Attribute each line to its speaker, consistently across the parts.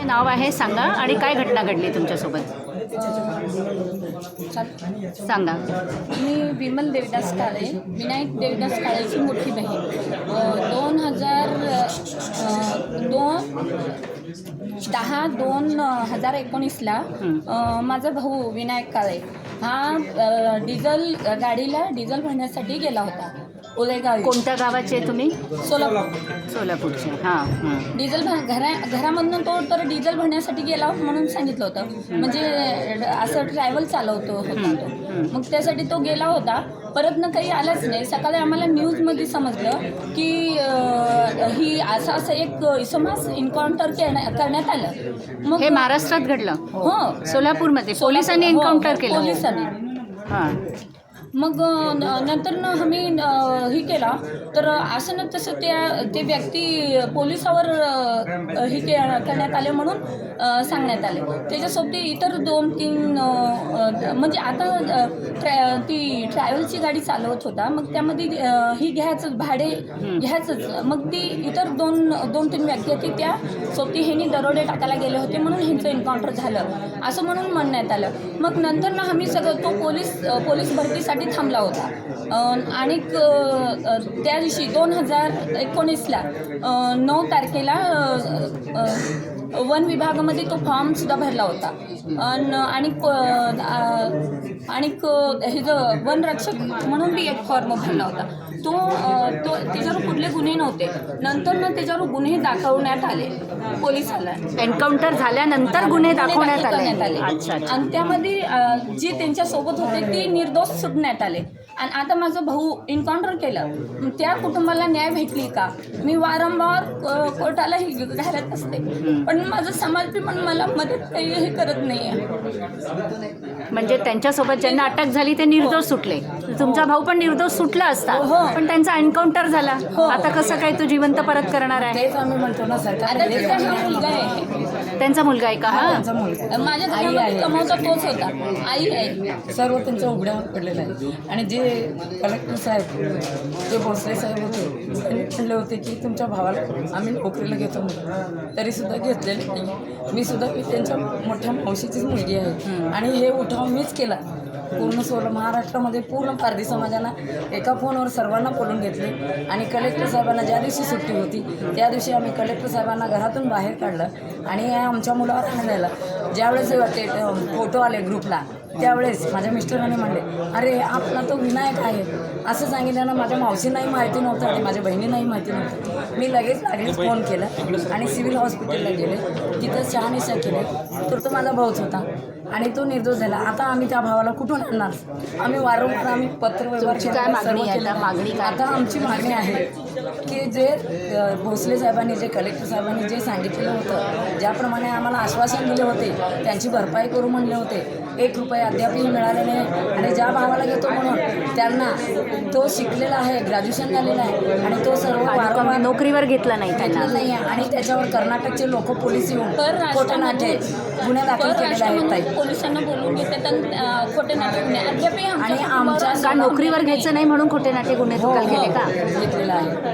Speaker 1: नाव आहे सांगा आणि काय घटना घडली तुमच्यासोबत सांगा.
Speaker 2: मी विमल देवदास काळे, विनायक देवदास काळेची मोठी बहीण. 2019ला माझा भाऊ विनायक काळे हा गाडीला डिझेल भरण्यासाठी गेला होता उलेगाव.
Speaker 1: कोणत्या गावाचे तुम्ही? सोलापूरचे. हां.
Speaker 2: डिझेल घरामधून तो तर डिझेल भरण्यासाठी गेला म्हणून सांगितलं होतं. म्हणजे असं ट्रॅव्हल चालवतो होता तो. मग त्यासाठी तो गेला होता. परत ना काही आलाच नाही. सकाळी आम्हाला न्यूजमध्ये समजलं की ही असं एक इसमास एन्काउंटर करण्यात आलं. मग
Speaker 1: हे महाराष्ट्रात घडलं?
Speaker 2: हो,
Speaker 1: सोलापूरमध्ये पोलिसांनी एन्काउंटर केलं?
Speaker 2: पोलिसांनी.
Speaker 1: हां.
Speaker 2: मग नंतर ना आम्ही हे केला तर असं ना तसं ते व्यक्ती पोलिसावर हे करण्यात आले म्हणून सांगण्यात आले. त्याच्यासोबत इतर 2-3 म्हणजे आता ती ट्रॅव्हलची गाडी चालवत होता. मग त्यामध्ये ही घ्यायचं भाडे घ्यायचंच. मग ती इतर 2-3 व्यक्ती होती त्या सोबती ह्यांनी दरोडे टाकायला गेले होते म्हणून ह्यांचं एन्काउंटर झालं असं म्हणून म्हणण्यात आलं. मग नंतर ना आम्ही सगळं तो पोलीस भरतीसाठी थांबला होता. आणि त्या दिवशी 2019ला 9 तारखेला वन विभागामध्ये तो फॉर्मसुद्धा भरला होता. आणि हे जो वनरक्षक म्हणून बी एक फॉर्म भरला होता. तो त्याच्यावर कुठले गुन्हे नव्हते. नंतर ना त्याच्यावर गुन्हे दाखवण्यात आले पोलिसाला.
Speaker 1: एन्काउंटर झाल्यानंतर गुन्हे दाखवण्यात आले.
Speaker 2: आणि त्यामध्ये जे त्यांच्यासोबत होते ते निर्दोष सुटण्यात आले. आणि आता माझा भाऊ एन्काउंटर केलं, त्या कुटुंबाला न्याय भेटली का? मी वारंवार कोर्टाला घालत असते, पण माझं समाज बी पण मला मदत काही हे करत नाही आहे.
Speaker 1: म्हणजे त्यांच्यासोबत ज्यांना अटक झाली ते निर्दोष सुटले. तुमचा भाऊ पण निर्दोष सुटला असता, पण त्यांचा एन्काउंटर झाला. आता कसं काय तो जिवंत परत करणार आहे?
Speaker 3: तेच आम्ही म्हणतो ना सरकार.
Speaker 2: आता त्याचा हा मुलगा आहे.
Speaker 1: त्यांचा मुलगा आहे का? हा,
Speaker 2: माझ्या घरामध्ये कमवता तोच होता. आई आहे.
Speaker 3: सर्व त्यांच्या उघड्यावर पडलेलं आहे. आणि जे कलेक्टर साहेब जे भोसले साहेब होते त्यांनी म्हणले होते की तुमच्या भावाला आम्ही नोकरीला घेतो म्हणून, तरीसुद्धा घेतलेले नाही. मी त्यांच्या मोठ्या मावशीचीच मुलगी आहे. आणि हे उठाव मीच केला. पूर्ण महाराष्ट्रामध्ये पूर्ण पारधी समाजानं एका फोनवर सर्वांना बोलून घेतले. आणि कलेक्टर साहेबांना ज्या दिवशी सुट्टी होती त्या दिवशी आम्ही कलेक्टर साहेबांना घरातून बाहेर काढलं आणि आमच्या मुलावर हाणायला. ज्यावेळेस ते फोटो आले ग्रुपला त्यावेळेस माझ्या मिस्टरांनी म्हणले अरे आपला तो विनायक आहे असं सांगितल्यानं माझ्या मावशींनाही माहिती नव्हतं आणि माझ्या बहिणींनाही माहिती नव्हतं. मी लागेच फोन केला आणि सिव्हिल हॉस्पिटलला गेले. तिथं शहानिशा केले तर तो माझा भाऊच होता आणि तो निर्दोष झाला. आता आम्ही त्या भावाला कुठून आणणार? आम्ही वारंवार पत्र व्यवहार केला. आता आमची मागणी आहे की जे भोसले साहेबांनी जे कलेक्टर साहेबांनी जे सांगितलेलं होतं, ज्याप्रमाणे आम्हाला आश्वासन दिले होते, त्यांची भरपाई करू म्हणले होते, 1 रुपया अद्यापही मिळाले नाही. आणि ज्या भावाला घेतो म्हणून त्यांना तो शिकलेला आहे, ग्रॅज्युएशन झालेला आहे आणि तो सर्व वारंवार
Speaker 1: नोकरीवर घेतला नाही
Speaker 3: नाही. आणि त्याच्यावर कर्नाटकचे लोक पोलीस येऊन खोटे नाटे गुन्हे दाखल केलेले आहेत.
Speaker 2: पोलिसांना बोलून घेतात खोटे नाटे गुन्हे अद्यापही.
Speaker 3: आणि आमच्या
Speaker 1: का नोकरीवर घ्यायचं नाही म्हणून खोटे नाटे गुन्हे दाखल केले का?
Speaker 3: घेतलेला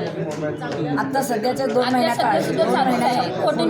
Speaker 3: आहे. आता सध्याच्या 2 महिन्या काळ
Speaker 2: खोटे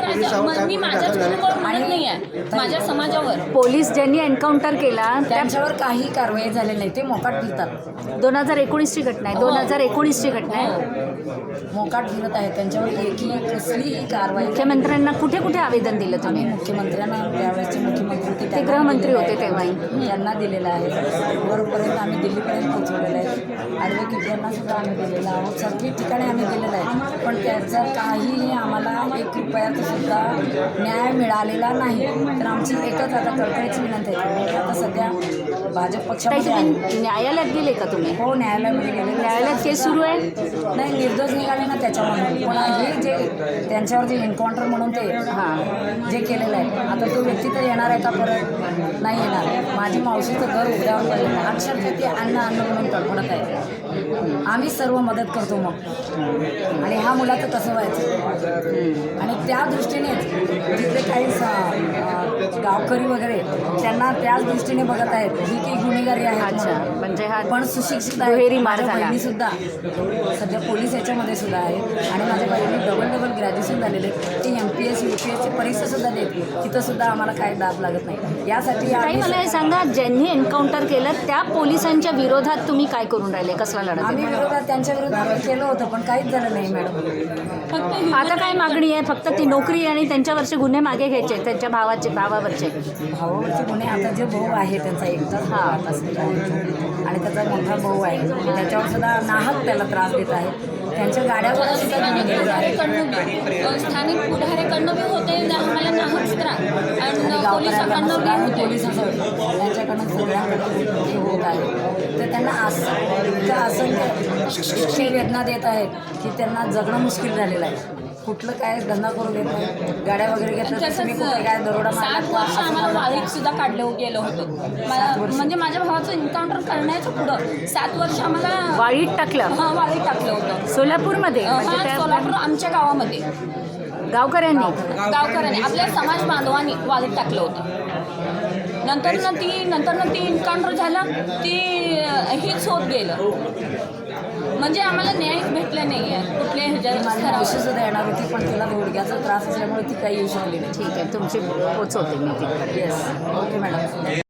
Speaker 2: मी माझ्याच नाही आहे, माझ्या समाजावर.
Speaker 1: पोलीस ज्यांनी एन्काउंटर केला
Speaker 3: त्यांच्यावर काही कारवाई झाली नाही. ते मोकाट फिरतात.
Speaker 1: 2019ची घटना आहे. 2019ची घटना आहे.
Speaker 3: मोकाट फिरत आहे. त्यांच्यावर कसलीही कारवाई.
Speaker 1: मुख्यमंत्र्यांना कुठे कुठे आवेदन दिलं तुम्ही?
Speaker 3: मुख्यमंत्र्यांना त्यावेळेसचे मुख्यमंत्री
Speaker 1: ते गृहमंत्री होते तेव्हाही
Speaker 3: त्यांना दिलेलं आहे. वरपर्यंत आम्ही दिल्लीपर्यंत पोहोचवलेलं आहे. ॲडव्होकेट यांना सुद्धा आम्ही दिलेलं आहोत. सगळी ठिकाणी आम्ही दिलेलं आहे. पण त्याचा काहीही आम्हाला 1 रुपयाचा सुद्धा न्याय मिळालेला नाही. तर आमची एकच आता कळकळीची विनंती आहे. आता सध्या भाजप पक्षामध्ये आहे.
Speaker 1: न्यायालयात गेले का तुम्ही?
Speaker 3: हो, न्यायालयामध्ये गेले.
Speaker 1: न्यायालयात केस सुरू आहे?
Speaker 3: नाही, निर्दोष निघाले ना त्याच्यामध्ये. पण हे जे त्यांच्यावर जे एन्काउंटर म्हणून ते जे केलेलं आहे, आता तो व्यक्ती तर येणार आहे का परत? नाही येणार. माझी मावशीचं घर उघड्यावर पडलेलं आहे. अक्षरशः ते अन्न म्हणून तडफडत आहे. आम्ही सर्व मदत करतो मग. आणि ह्या मुलाचं कसं व्हायचं? आणि त्या दृष्टीनेच जिथे काही गावकरी वगैरे त्यांना त्याच दृष्टीने बघत आहेत ही की गुन्हेगारी आहे.
Speaker 1: अच्छा, म्हणजे हा
Speaker 3: पण सुशिक्षित
Speaker 1: दुहेरी मार
Speaker 3: माझ्या
Speaker 1: झाला.
Speaker 3: बहिणीसुद्धा सध्या पोलीस याच्यामध्ये सुद्धा आहे आणि माझ्या बहिणी डबल ग्रॅज्युएशन झालेले ते MPS UPSची परीक्षासुद्धा देते. तिथंसुद्धा आम्हाला काही दाब लागत नाही. यासाठी
Speaker 1: ताई
Speaker 3: आम्ही
Speaker 1: मला हे सांगा, ज्यांनी एन्काउंटर केलं त्या पोलिसांच्या विरोधात तुम्ही काय करून राहिले, कसला लढा
Speaker 3: आम्ही
Speaker 1: देता?
Speaker 3: विरोधात त्यांच्या विरोधात केलं होतं पण काहीच झालं नाही मॅडम.
Speaker 2: फक्त ही
Speaker 1: आता काय मागणी आहे? फक्त ती नोकरी आणि त्यांच्यावरचे गुन्हे मागे घ्यायचे, त्यांच्या भावावरचे.
Speaker 3: भावावरचे गुन्हे आता जे भाऊ आहे त्यांचा एकटाच भाव आता सध्या आहे आणि त्याचा मोठा भाऊ आहे त्याच्यावर सुद्धा नाहक त्याला त्रास देत आहे. त्यांच्या गाड्यावर सुद्धा गुन्हे केले आहेत.
Speaker 2: स्थानिक पुढाऱ्याकडनं बी होते आम्हाला नाहक त्रास आणि पोलिसांकडनं बी
Speaker 3: गावकऱ्यांना
Speaker 2: होते.
Speaker 3: पोलिसांचं त्यांच्याकडनं सगळ्यांकडून हे होत आहे. तर त्यांना असंख्य वेदना देत आहेत की त्यांना जगणं मुश्किल झालेलं आहे. कुठलं काय धंदा करू देत नाही. गाड्या वगैरे घेतलं तर तुम्ही कुठे काय दरोडा
Speaker 2: 7 वर्ष आम्हाला वाळीत सुद्धा काढलं गेलं होतं. म्हणजे माझ्या भावाचं एन्काउंटर करण्याचं पुढं 7 वर्ष आम्हाला
Speaker 1: वाळीत टाकलं
Speaker 2: वाळीत टाकलं होतं.
Speaker 1: सोलापूरमध्ये, म्हणजे त्या
Speaker 2: सोलापूर आमच्या गावामध्ये
Speaker 1: गावकऱ्यांनी.
Speaker 2: गावकऱ्यांनी आपल्या समाज बांधवांनी वाळीत टाकलं होतं. नंतर ती एन्काउंटर झालं ती हीच होत गेलं. म्हणजे आम्हाला न्याय भेटला नाही आहे कुठल्या ह्याच्या
Speaker 3: सुद्धा येणार होती पण तिला गुडघ्याचा त्रास असल्यामुळे ती काही येऊ शकली नाही.
Speaker 1: ठीक आहे, तुमची पोचवते मी तिकडे.
Speaker 3: Yes okay madam.